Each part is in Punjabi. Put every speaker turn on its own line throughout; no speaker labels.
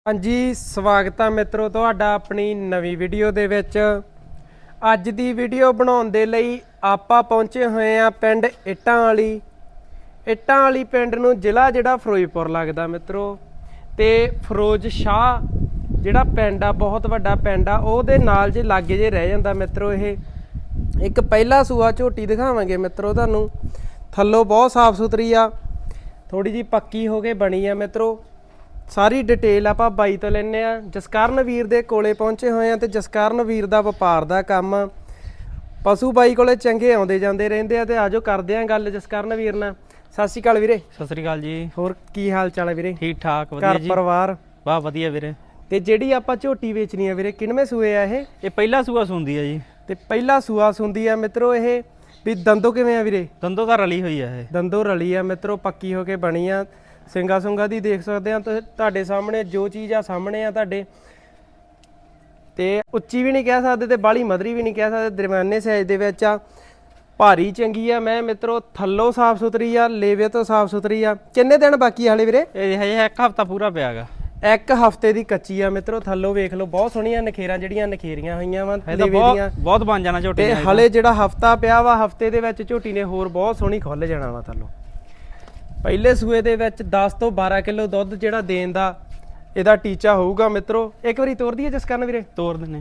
हाँ जी स्वागत है मित्रों तुहाडा अपनी नवी वीडियो दे विच। अज दी वीडियो बनाउण दे लई आपां पहुंचे होए आ पिंड इट्टां वाली पिंड नूं जिला जिहड़ा फिरोजपुर लगदा मित्रों। ते फिरोज शाह जिहड़ा पिंड आ बहुत वड्डा पिंड आ ओहदे नाल जे लागे जे रह जांदा मित्रों। ये एक पहला सूआ झोटी दिखावांगे मित्रों तुहानूं। थल्लों बहुत साफ सुथरी आ, थोड़ी जी पक्की हो के बनी आ मित्रों। सारी डिटेल आपां बाई तो लैने आ। जसकरण वीर दे कोले पहुंचे होए हैं। तो जसकरण वीर दा वपार दा काम पशु बाई कोले चंगे आउंदे जांदे रहिंदे आ। ते आजो करदे आ गल जसकरण वीर नाल। सत श्री अकाल वीरे।
सत श्री अकाल जी।
होर की हाल चाल है वीरे? ठीक
ठाक वधिया
घर
जी।
परिवार
वाह वधिया वीरे।
ते जेड़ी आपां झोटी वेचनी है वीरे किनवें सूए आ
ये पहला सूआ सुंदी है जी।
ते पहला सूआ सुंदी है मित्रों। ये भी दंदों किवें आ वीरे?
दंदों तां रली हुई है।
दंदों रली आ मित्रों, पक्की हो के बनी आ। ਸਿੰਗਾ ਸੁੰਗਾ ਦੀ ਦੇਖ ਸਕਦੇ ਆ ਤੁਹਾਡੇ ਸਾਹਮਣੇ, ਜੋ ਚੀਜ਼ ਆ ਸਾਹਮਣੇ ਆ ਤੁਹਾਡੇ। ਤੇ ਉੱਚੀ ਵੀ ਨਹੀਂ ਕਹਿ ਸਕਦੇ ਤੇ ਬਾਲੀ ਮਧਰੀ ਵੀ ਨਹੀਂ ਕਹਿ ਸਕਦੇ, ਦਰਮਿਆਨੇ ਸਾਈਜ਼ ਦੇ ਵਿੱਚ ਆ। ਭਾਰੀ ਚੰਗੀ ਆ ਮੈਂ ਮਿੱਤਰੋ, ਥੱਲੋਂ ਸਾਫ ਸੁਥਰੀ ਆ, ਲੇਵੇ ਤੋਂ ਸਾਫ ਸੁਥਰੀ ਆ। ਕਿੰਨੇ ਦਿਨ ਬਾਕੀ ਹਾਲੇ ਵੀਰੇ?
ਇਹ ਹਜੇ ਇੱਕ ਹਫਤਾ ਪੂਰਾ ਪਿਆਗਾ।
ਇੱਕ ਹਫਤੇ ਦੀ ਕੱਚੀ ਆ ਮਿੱਤਰੋ। ਥੱਲੋਂ ਵੇਖ ਲਓ ਬਹੁਤ ਸੋਹਣੀਆਂ ਨਖੇਰਾਂ ਜਿਹੜੀਆਂ ਨਖੇਰੀਆਂ ਹੋਈਆਂ ਵਾ ਲੇਵੇ ਦੀਆਂ।
ਬਹੁਤ ਬਣ ਜਾਣਾ ਝੋਟੀ
ਤੇ ਹਲੇ ਜਿਹੜਾ ਹਫਤਾ ਪਿਆ ਵਾ, ਹਫਤੇ ਦੇ ਵਿੱਚ ਝੋਟੀ ਨੇ ਹੋਰ ਬਹੁਤ ਸੋਹਣੀ ਖੁੱਲ ਜਾਣਾ ਵਾ ਥੱਲੋਂ। ਪਹਿਲੇ ਸੂਏ ਦੇ ਵਿੱਚ 10 ਤੋਂ 12 ਕਿਲੋ ਦੁੱਧ ਜਿਹੜਾ ਦੇਣ ਦਾ ਇਹਦਾ ਟੀਚਾ ਹੋਊਗਾ ਮਿੱਤਰੋ। ਇੱਕ ਵਾਰੀ ਤੋਰ ਦਈਏ ਜਸਕਰਨ ਵੀਰੇ?
ਤੋਰ ਦਿੰਨੇ।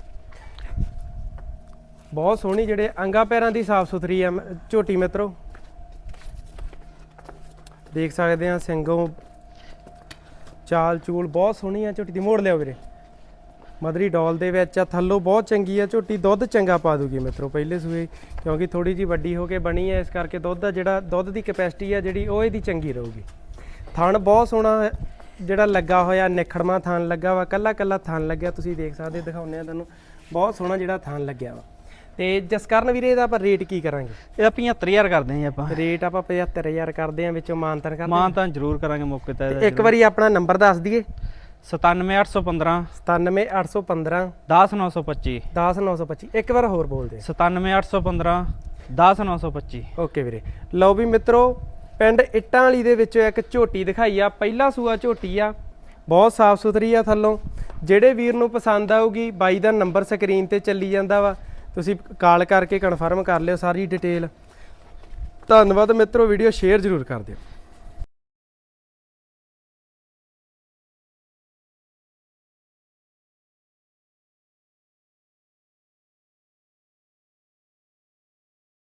ਬਹੁਤ ਸੋਹਣੀ ਜਿਹੜੇ ਅੰਗਾ ਪੈਰਾਂ ਦੀ ਸਾਫ ਸੁਥਰੀ ਆ ਝੋਟੀ ਮਿੱਤਰੋ। ਦੇਖ ਸਕਦੇ ਆ ਸਿੰਘੋਂ ਚਾਲ ਚੂਲ ਬਹੁਤ ਸੋਹਣੀ ਆ ਝੋਟੀ ਦੀ। ਮੋੜ ਲਿਓ ਵੀਰੇ। ਮਦਰੀ ਡੋਲ ਦੇ ਵਿੱਚ ਆ, ਥੱਲੋਂ ਬਹੁਤ ਚੰਗੀ ਆ ਝੋਟੀ। ਦੁੱਧ ਚੰਗਾ ਪਾ ਦੂਗੀ ਮਿੱਤਰੋ ਪਹਿਲੇ ਸੂਏ, ਕਿਉਂਕਿ ਥੋੜੀ ਜੀ ਵੱਡੀ ਹੋ ਕੇ ਬਣੀ ਹੈ, ਇਸ ਕਰਕੇ ਦੁੱਧ ਦਾ ਜਿਹੜਾ ਦੁੱਧ ਦੀ ਕੈਪੈਸਿਟੀ ਆ ਜਿਹੜੀ ਉਹ ਇਹਦੀ ਚੰਗੀ ਰਹੂਗੀ। ਥਣ ਬਹੁਤ ਸੋਹਣਾ ਜਿਹੜਾ ਲੱਗਾ ਹੋਇਆ, ਨਿਖੜਮਾ ਥਣ ਲੱਗਾ ਵਾ, ਕੱਲਾ ਕੱਲਾ ਥਣ ਲੱਗਿਆ। ਤੁਸੀਂ ਦੇਖ ਸਕਦੇ, ਦਿਖਾਉਂਦੇ ਆ ਤੁਹਾਨੂੰ। ਬਹੁਤ ਸੋਹਣਾ ਜਿਹੜਾ ਥਣ ਲੱਗਿਆ ਵਾ। ਤੇ ਜਸਕਰਨ ਵੀਰੇ ਇਹਦਾ ਆਪਾਂ ਰੇਟ ਕੀ ਕਰਾਂਗੇ?
ਇਹਦਾ 75000 ਕਰਦੇ ਆਂ ਜੀ ਆਪਾਂ।
ਰੇਟ ਆਪਾਂ 75000 ਕਰਦੇ ਆਂ, ਵਿੱਚੋਂ ਮਾਨਤਾਨ ਕਰਦੇ।
ਮਾਨਤਾਨ ਜ਼ਰੂਰ ਕਰਾਂਗੇ ਮੌਕੇ ਤੇ।
ਇੱਕ ਵਾਰੀ ਆਪਣਾ ਨੰਬਰ ਦੱਸ ਦਈਏ।
97815
97815
10925
10925। ਇੱਕ ਵਾਰ ਹੋਰ ਬੋਲ ਦੇ।
97815 10925।
ਓਕੇ ਵੀਰੇ। ਲਓ ਵੀ ਮਿੱਤਰੋ, ਪਿੰਡ ਇੱਟਾਂ ਵਾਲੀ ਦੇ ਵਿੱਚੋਂ ਇੱਕ ਝੋਟੀ ਦਿਖਾਈ ਆ। ਪਹਿਲਾ ਸੂਆ ਝੋਟੀ ਆ, ਬਹੁਤ ਸਾਫ ਸੁਥਰੀ ਆ ਥੱਲੋਂ। ਜਿਹੜੇ ਵੀਰ ਨੂੰ ਪਸੰਦ ਆਊਗੀ, ਬਾਈ ਦਾ ਨੰਬਰ ਸਕਰੀਨ ਤੇ ਚੱਲੀ ਜਾਂਦਾ ਵਾ, ਤੁਸੀਂ ਕਾਲ ਕਰਕੇ ਕਨਫਰਮ ਕਰ ਲਿਓ ਸਾਰੀ ਡਿਟੇਲ। ਧੰਨਵਾਦ ਮਿੱਤਰੋ, ਵੀਡੀਓ ਸ਼ੇਅਰ ਜ਼ਰੂਰ ਕਰ ਦਿਓ।